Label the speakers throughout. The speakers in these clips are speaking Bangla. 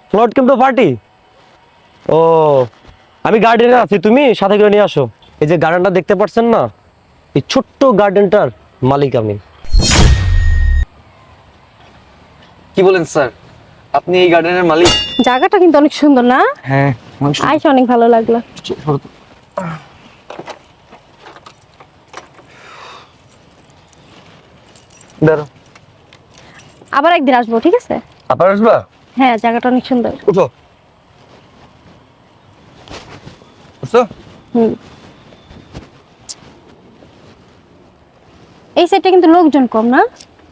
Speaker 1: ফ্লোট কিন্তু পার্টি। ও আমি গার্ডেনে আছি, তুমি সাথে করে নিয়ে আসো। এই যে গার্ডেনটা দেখতে পাচ্ছেন না, এই ছোট্ট গার্ডেনটার মালিক আমি।
Speaker 2: কি বলেন স্যার, আপনি এই গার্ডেনের মালিক?
Speaker 3: জায়গাটা কিন্তু অনেক সুন্দর না?
Speaker 2: হ্যাঁ,
Speaker 3: আইসা অনেক ভালো লাগলো।
Speaker 2: দাঁড়াও,
Speaker 3: আবার একদিন আসবো, ঠিক আছে?
Speaker 2: আবার আসবা?
Speaker 3: হ্যাঁ, জায়গাটা অনেক সুন্দর।
Speaker 2: উঠো। বুঝছো?
Speaker 3: হুম। এই সাইডটা কিন্তু লোকজন কম না?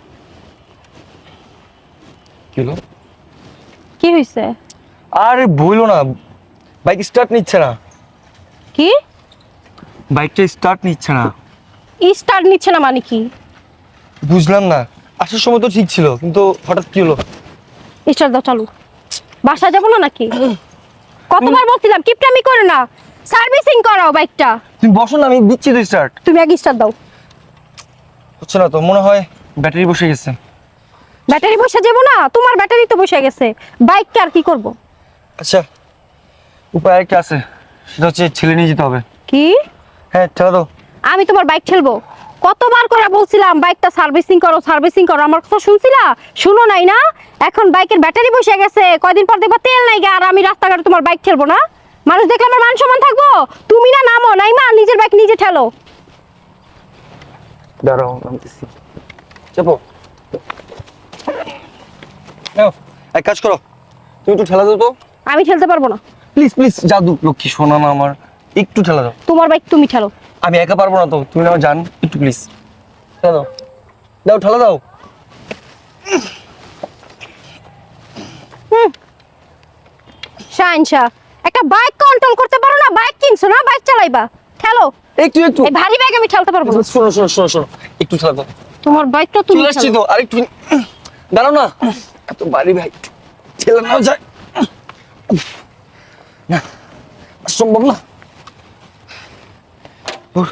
Speaker 2: কি হলো?
Speaker 3: কি হয়েছে?
Speaker 2: আরে বইলো না, বাইক স্টার্ট নিচ্ছে না।
Speaker 3: কি
Speaker 2: বাইকটা স্টার্ট নিচ্ছে না।
Speaker 3: স্টার্ট নিচ্ছে না মানে কি?
Speaker 2: বুঝলাম না, আসার সময় তো ঠিক ছিল, কিন্তু হঠাৎ কি হলো?
Speaker 3: স্টার্ট দাও, চালু। বাসা যাবো না নাকি? কতবার বলছিলাম কিপটামি করো না, সার্ভিসিং করাও বাইকটা।
Speaker 2: তুমি বসো না, আমি দিচ্ছি তো স্টার্ট।
Speaker 3: তুমি আগে স্টার্ট দাও।
Speaker 2: হচ্ছে না তো, মনে হয় ব্যাটারি বসে গেছে।
Speaker 3: ব্যাটারি বসে যাবো না, তোমার ব্যাটারি তো বসে গেছে, বাইকটা আর কি করব?
Speaker 2: আচ্ছা, উপায় আরেকটা আছে, সেটা হচ্ছে ছেলে নিয়ে যেতে হবে।
Speaker 3: কি?
Speaker 2: হ্যাঁ, ঠেলা দাও।
Speaker 3: আমি তোমার বাইক ঠেলবো? কতবার করে বলছিলাম বাইকটা সার্ভিসিং করো, সার্ভিসিং করো, আমার কথা শুনছিলা? শুনো নাই না? এখন বাইকের ব্যাটারি বসে গেছে, কয়দিন পর দেখবা তেল নাই গা, আর আমি রাস্তাঘাটে তোমার বাইক ঠেলবো না? মানুষ দেখলে আমার মান সম্মান থাকবো? তুমি না নামো নাই মা, নিজের বাইক নিজে ঠেলো।
Speaker 2: দাঁড়াও, নামতেছি। চাপো। নাও, এক কাজ করো, তুমি একটু ঠেলা দাও তো।
Speaker 3: আমি ঠেলতে পারবো না।
Speaker 2: প্লিজ প্লিজ, জাদু লক্ষ্মী শোনা না আমার, একটু ঠেলা দাও।
Speaker 3: তোমার বাইক তুমি ঠেলো।
Speaker 2: আমি একা পারবো না তো, তুমি আমার জান, একটু প্লিজ ঠেলা দাও। দাও, ঠেলা দাও।
Speaker 3: শাইনশা, একটা বাইক কন্ট্রোল করতে পারো না? বাইক কিনছো না, বাইক চালাইবা, ঠেলো।
Speaker 2: একটু একটু।
Speaker 3: এই ভারী বাইক আমি ঠেলতে পারবো না।
Speaker 2: শোনো শোনো শোনো শোনো, একটু ঠেলা দাও।
Speaker 3: তোমার বাইকটা তুমি
Speaker 2: চলে আসছি
Speaker 3: ঠেলো।
Speaker 2: তো, আরেকটু দাঁড়াও না, এত বাড়ি ভাই, ঠেলা নাও যায় না, সম্ভব না। ওর,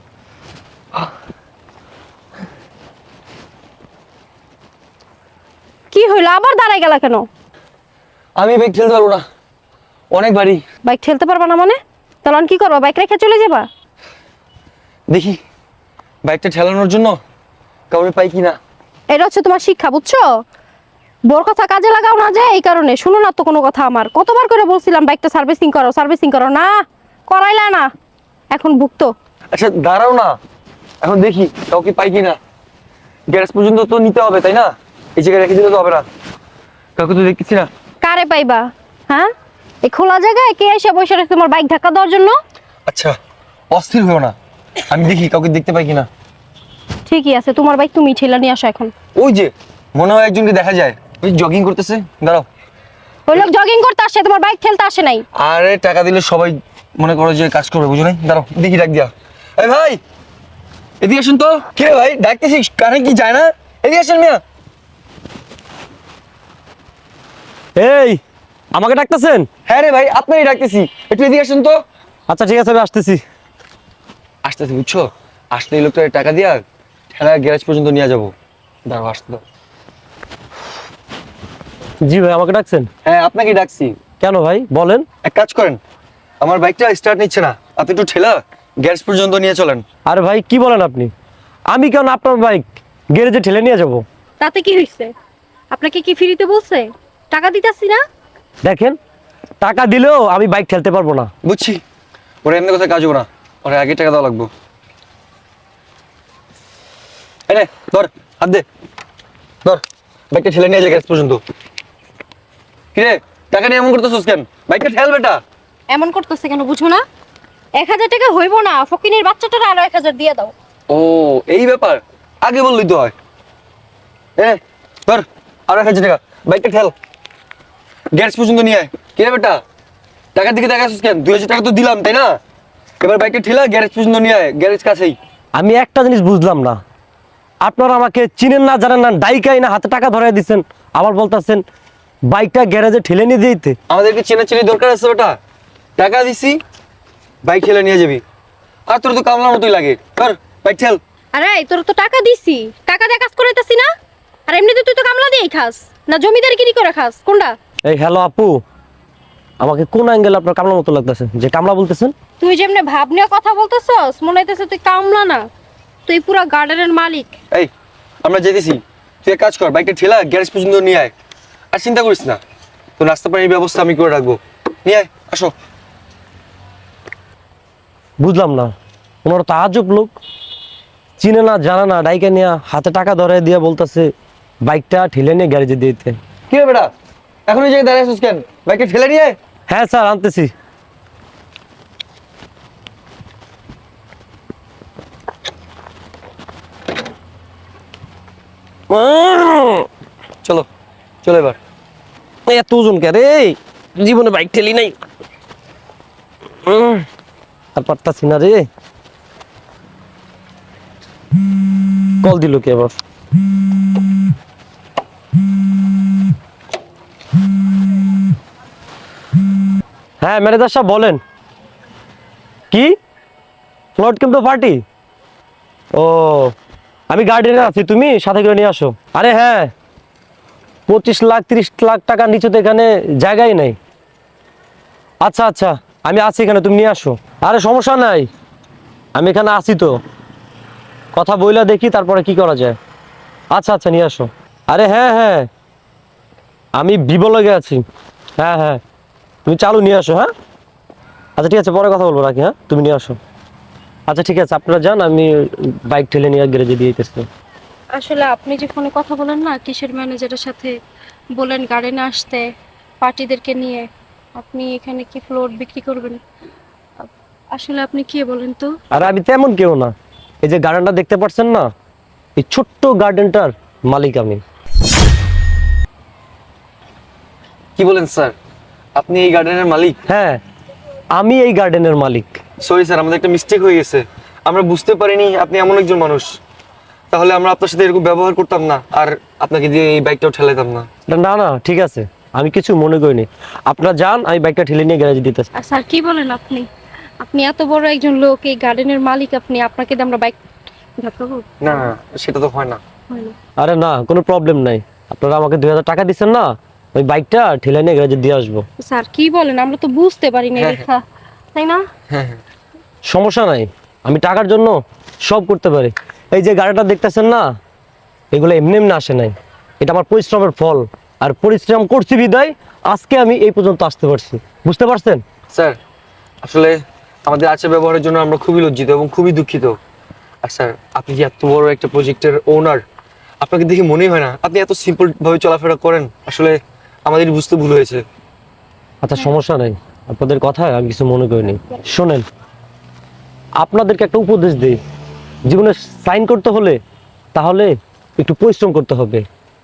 Speaker 3: কি হইলো, আবার দাঁড়াই গেলা কেন?
Speaker 2: আমি বাইক ঠেলতে পারবো না, অনেক বাড়ি।
Speaker 3: বাইক ঠেলতে পারবা না মানে? তাহলে কি করবা, বাইক রেখে চলে যাবা?
Speaker 2: দেখি বাইকটা ঠেলানোর জন্য কাউরে পাই কিনা।
Speaker 3: এটা হচ্ছে তোমার শিক্ষা, বুঝছো? বোর কথা কাজে লাগাও না, যে এই কারণে শুনো না তো কোনো কথা আমার। কতবার করে বলছিলাম বাইকটা সার্ভিসিং করো, সার্ভিসিং করো, না করাইলা না, এখন ভুগতো।
Speaker 2: আচ্ছা দাঁড়াও না, এখন দেখি কাউকে পাই কিনা। গ্যারেজ পর্যন্ত তো নিতে হবে, তাই না? এই জায়গায় রেখে দিলে তো হবে না, কাউকে তো দেখতেছি না।
Speaker 3: কারে পাইবা? হ্যাঁ, এই খোলা জায়গায় কে এসে বসে রয়েছে তোমার বাইক ধাক্কা দেওয়ার জন্য?
Speaker 2: আচ্ছা অস্থির হয়েও না, আমি দেখি কাউকে দেখতে পাই কিনা।
Speaker 3: ঠিকই আছে, তোমার বাইক তুমি ঠেলা নিয়ে আসো এখন।
Speaker 2: ওই যে মনে হয় একজনকে দেখা যায়, ওই জগিং করতেছে। দাঁড়াও।
Speaker 3: ওই লোক জগিং করতে আসে, তোমার বাইক ঠেলতে আসে নাই।
Speaker 2: আরে টাকা দিলে সবাই মনে করো যে কাজ করবে, বুঝো নাই? দাঁড়াও দেখি, ডাক দিয়া। এই ভাই এদিকে আসুন তো। কে ভাই ডাকতেছিস, কানে কি যায় না? এদিকে আসেন মিয়া।
Speaker 1: এই আমাকে ডাকতেছেন?
Speaker 2: হ্যাঁ রে ভাই, আপনারই ডাকতেছি, একটু এদিকে আসুন তো।
Speaker 1: আচ্ছা ঠিক আছে, আমি আসতেছি।
Speaker 2: আসতেছি, বুঝছো? আসলে এই লোকটা টাকা দিয়া ঠেলা গ্যারেজ পর্যন্ত নিয়ে যাবো। দাঁড়াও, আসতে দাও।
Speaker 1: জি ভাই, আমাকে ডাকছেন?
Speaker 2: হ্যাঁ আপনাকে ডাকছি।
Speaker 1: কেন ভাই বলেন?
Speaker 2: এক কাজ করেন, আমার বাইকটা স্টার্ট নিচ্ছে না, আপনি একটু ঠেলা গ্যারেজ পর্যন্ত নিয়ে চলেন।
Speaker 1: আরে ভাই কি বলেন আপনি? আমি কেন আপনার বাইক গ্যারেজে ঠেলে নিয়ে যাব?
Speaker 3: তাতে কি হয়েছে? আপনাকে কি ফ্রিতে বলছে? টাকা দিতেছি না?
Speaker 1: দেখেন, টাকা দিলেও আমি বাইক ঠেলতে পারবো না।
Speaker 2: বুঝছি, ওরা এমনি কথা কাজ হবে না, ওরা আগে টাকা দেওয়া লাগবো। এই নে, ধর, হাত দে, ধর, বাইকটা ঠেলে নিয়ে যায় গ্যারেজ পর্যন্ত। কিরে টাকা নিয়ে এমন করতেছিস কেন? বাইকটা ঠেল বেটা।
Speaker 3: এমন করতেছে কেন বুঝো না? 1000 টাকা হইব না, ফকিনের বাচ্চাটার আরো 1000 দিয়ে দাও।
Speaker 2: ও এই ব্যাপার, আগে বললি তো হয়। ধর, আরো 1000 টাকা, বাইকটা ঠেল গ্যারেজ পর্যন্ত নিয়ে আয়। কিরে বেটা, টাকার দিকে দেখাচ্ছিস কেন? 2000 টাকা তো দিলাম, তাই না? এবার বাইকটা ঠেলা গ্যারেজ পর্যন্ত নিয়ে আয়, গ্যারেজ কাছেই।
Speaker 1: আমি একটা জিনিস বুঝলাম না, আপনারা আমাকে চিনেন না, জানেন না, ডাইকাই না হাতে টাকা ধরাই দিচ্ছেন, আবার বলতেছেন বাইকটা গ্যারেজে ঠেলে নিয়ে দিতে।
Speaker 2: আমাদেরকে চেনাচেনি দরকার আছে বেটা, টাকা দিছি বাইক ঠেলে নিয়ে যাবি। আর তোর তো কামলার মতোই লাগে, ধর বাইক ঠেল।
Speaker 3: আরে তোর তো টাকা দিছি, টাকা দিয়ে কাজ করাইতাছি না? আর এমনিতে তুই তো কামলা দিয়েই খাস না, জমিদারগিরি করে খাস, কোনটা?
Speaker 1: এই হ্যালো আপু, আমাকে কোন অ্যাঙ্গেল আপনার কামলা মতো লাগতেছে? যে কামলা বলতেছেন?
Speaker 3: তুই যেমনে ভাব নিয়ে কথা বলতেছস, মনে হইতেছে তুই কামলা না, তুই পুরা গার্ডেনের মালিক।
Speaker 2: এই আমরা যেতেছি, তুই এক কাজ কর, বাইকটা ঠেলা গ্যারেজ পর্যন্ত নিয়ে আয়। আর চিন্তা করিস না, তো নাস্তা পানির ব্যবস্থা আমি করে রাখবো। নিয়ে আয়, আসো।
Speaker 1: বুঝলাম না, ওনারা তো আজব লোক, চিনে না জানে না, ডাইকে নিয়ে হাতে টাকা ধরে দিয়ে বলতেছে বাইকটা ঠেলে নিয়ে গ্যারেজে দিয়ে দিতে।
Speaker 2: কি রে বেটা, এখন এই জায়গায় দাঁড়িয়ে আছিস কেন? বাইকটা ঠেলে নিয়ে আয়।
Speaker 1: হ্যাঁ স্যার, আনতেছি।
Speaker 2: চলো চলো এবার।
Speaker 1: এত ওজন কে রে, জীবনে বাইক ঠেলি নাই। আর পারতাছি না রে। কল দিল কে আবার? হ্যাঁ ম্যানেজার সাহেব বলেন। কি ফ্লোট কিন্তু পার্টি? ও, আমি গার্ডেনে আছি, তুমি সাথে করে নিয়ে আসো। আরে হ্যাঁ, 25 লাখ 30 লাখ টাকার নিচে তো এখানে জায়গাই নেই। আচ্ছা আচ্ছা, আমি আছি এখানে, তুমি নিয়ে আসো। আরে সমস্যা নাই, আমি এখানে আছি তো, কথা বইলা দেখি তারপরে কি করা যায়। আচ্ছা আচ্ছা, নিয়ে আসো। আরে হ্যাঁ হ্যাঁ, আমি ভিভো লগে আছি। হ্যাঁ হ্যাঁ, তুমি চালু নিয়ে আসো। হ্যাঁ আচ্ছা ঠিক আছে, পরে কথা বলবো, রাখি। হ্যাঁ তুমি নিয়ে আসো। আচ্ছা ঠিক আছে, আপনারা যান, আমি বাইক ঠেলে নিয়ে গ্যারেজে দিয়ে দিতেছি।
Speaker 3: আসলে আপনি যে ফোনে কথা বলেন না কিসের ম্যানেজারের সাথে, বলেন গার্ডেনে আসতে পার্টিদেরকে নিয়ে, আপনি এখানে কি ফ্লোর বিক্রি করবেন? আসলে আপনি কি বলেন তো?
Speaker 1: আর আমি তেমন কেউ না, এই যে গার্ডেনটা দেখতে পাচ্ছেন না, এই ছোট্ট গার্ডেনটার মালিক আমি।
Speaker 2: কি বলেন স্যার, আপনি এই গার্ডেনের মালিক?
Speaker 1: হ্যাঁ, আমি এই গার্ডেনের মালিক।
Speaker 2: সরি স্যার, আমাদের একটা মিস্টেক হয়ে গেছে, আমরা বুঝতে পারিনি আপনি এমন একজন মানুষ। তাহলে আমরা আপনার সাথে এরকম ব্যবহার করতাম না, আর আপনাকে দিয়ে এই বাইকটাও ঠেলাইতাম না।
Speaker 1: না না ঠিক আছে, আমি কিছু মনে করিনি। আপনারা যান, আমি বাইকটা ঠেলে নিয়ে গ্যারেজে দিতেছি।
Speaker 3: আর স্যার কি বলেন আপনি? আপনি এত বড় একজন লোক, এই গার্ডেনের মালিক আপনি, আপনাকে দিয়ে আমরা বাইক ধাক্কাবো?
Speaker 2: না না, সেটা তো হয় না।
Speaker 3: হয় না।
Speaker 1: আরে না, কোনো প্রবলেম নাই। আপনারা আমাকে 2000 টাকা দিচ্ছেন না, ওই বাইকটা ঠেলে নিয়ে গ্যারেজে দিয়ে আসবো।
Speaker 3: স্যার কি বলেন, আমরা তো বুঝতে পারি না
Speaker 2: হ্যাঁ,
Speaker 3: লেখা, তাই না?
Speaker 2: হ্যাঁ হ্যাঁ,
Speaker 1: সমস্যা নাই, আমি টাকার জন্য সব করতে পারি। এই যে গাড়িটা দেখতেছেন না, এগুলো এমনি এমনি আসে নাই, এটা আমার পরিশ্রমের ফল। আর পরিশ্রম করছি বিদায় আজকে আমি এই পর্যন্ত আসতে পারছি, বুঝতে পারছেন?
Speaker 2: স্যার আসলে আমাদের আচার ব্যবহারের জন্য আমরা খুবই লজ্জিত এবং খুবই দুঃখিত। আর স্যার, আপনি যে এত বড় একটা প্রজেক্টের ওনার, আপনাকে দেখে মনেই হয় না আপনি এত সিম্পল ভাবে চলাফেরা করেন। আসলে আমাদের বুঝতে ভুল হয়েছে।
Speaker 1: আচ্ছা সমস্যা নাই, আপনাদের কথায় আমি কিছু মনে করিনি। শোনেন, আপনাদেরকে একটা উপদেশ দিই, জীবনে সাইন করতে হলে তাহলে একটু পরিশ্রম করতে হবে,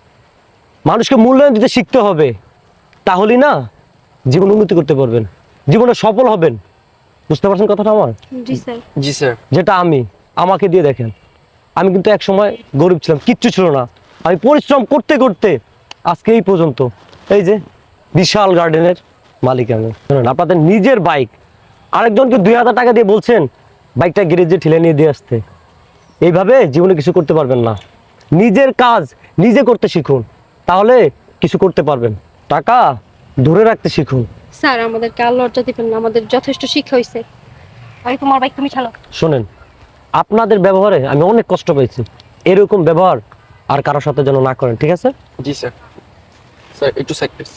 Speaker 1: মানুষকে মূল্যায়ন দিতে শিখতে হবে, তাহলেই না জীবন উন্নতি করতে পারবেন, জীবনে সফল হবেন। বুঝতে পারছেন কথাটা আমার?
Speaker 3: জি স্যার।
Speaker 2: জি স্যার।
Speaker 1: যেটা আমাকে দিয়ে দেখেন, আমি কিন্তু এক সময় গরিব ছিলাম, কিচ্ছু ছিল না, আমি পরিশ্রম করতে করতে আজকে এই পর্যন্ত এই যে বিশাল গার্ডেনের মালিক আমি। শুনুন, আপনাদের নিজের বাইক আরেকজনকে 2000 টাকা দিয়ে বলছেন বাইকটা গ্যারেজে ঠেলে নিয়ে দিয়ে আসতে, এইভাবে জীবনে কিছু করতে পারবেন না। নিজের কাজ নিজে করতে শিখুন, তাহলে কিছু করতে পারবেন। টাকা ধরে রাখতে শিখুন।
Speaker 3: স্যার আমাদেরকে আর লজ্জা দিবেন না, আমাদের যথেষ্ট শিক্ষা হয়েছে। আমি তোমার বাইক তুমি চালাও।
Speaker 1: শোনেন, আপনাদের ব্যবহারে আমি অনেক কষ্ট পেয়েছি, এরকম ব্যবহার আর কারোর সাথে যেন না করেন, ঠিক আছে?
Speaker 2: জি স্যার। স্যার একটু সাইড প্লিজ।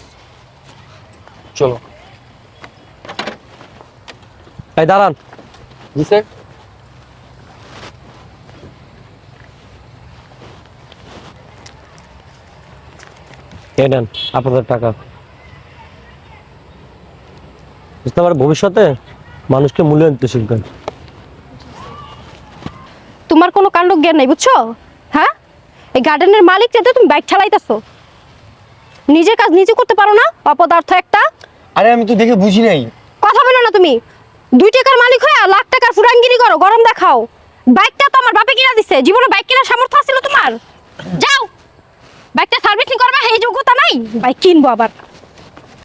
Speaker 2: চলো।
Speaker 1: এই দাঁড়ান।
Speaker 2: জি স্যার।
Speaker 1: এই নেন আপনাদের টাকা। বুঝতে পারে ভবিষ্যতে মানুষকে মূল্যায়ন দিতে শিখবেন।
Speaker 3: তোমার কোনো কাণ্ড জ্ঞান নাই, বুঝছো? হ্যাঁ, এই গার্ডেনের মালিক যেতে তুমি বাইক চালাইতেছো, নিজের কাজ নিজে করতে পারো না? অপদার্থ একটা।
Speaker 2: আরে আমি তো দেখে বুঝি নাই।
Speaker 3: কথা বলো না তুমি, 2 টাকার মালিক হয়ে লাখ টাকার ফুরাঙ্গিরি করো, গরম দেখাও। বাইকটা তো আমার বাপে কিনা দিছে, জীবনে বাইক কেনার সামর্থ্য ছিল তোমার? যাও বাইকটা সার্ভিসিং করবা, এই যোগ্যতা নাই, বাইক কিনবো আবার।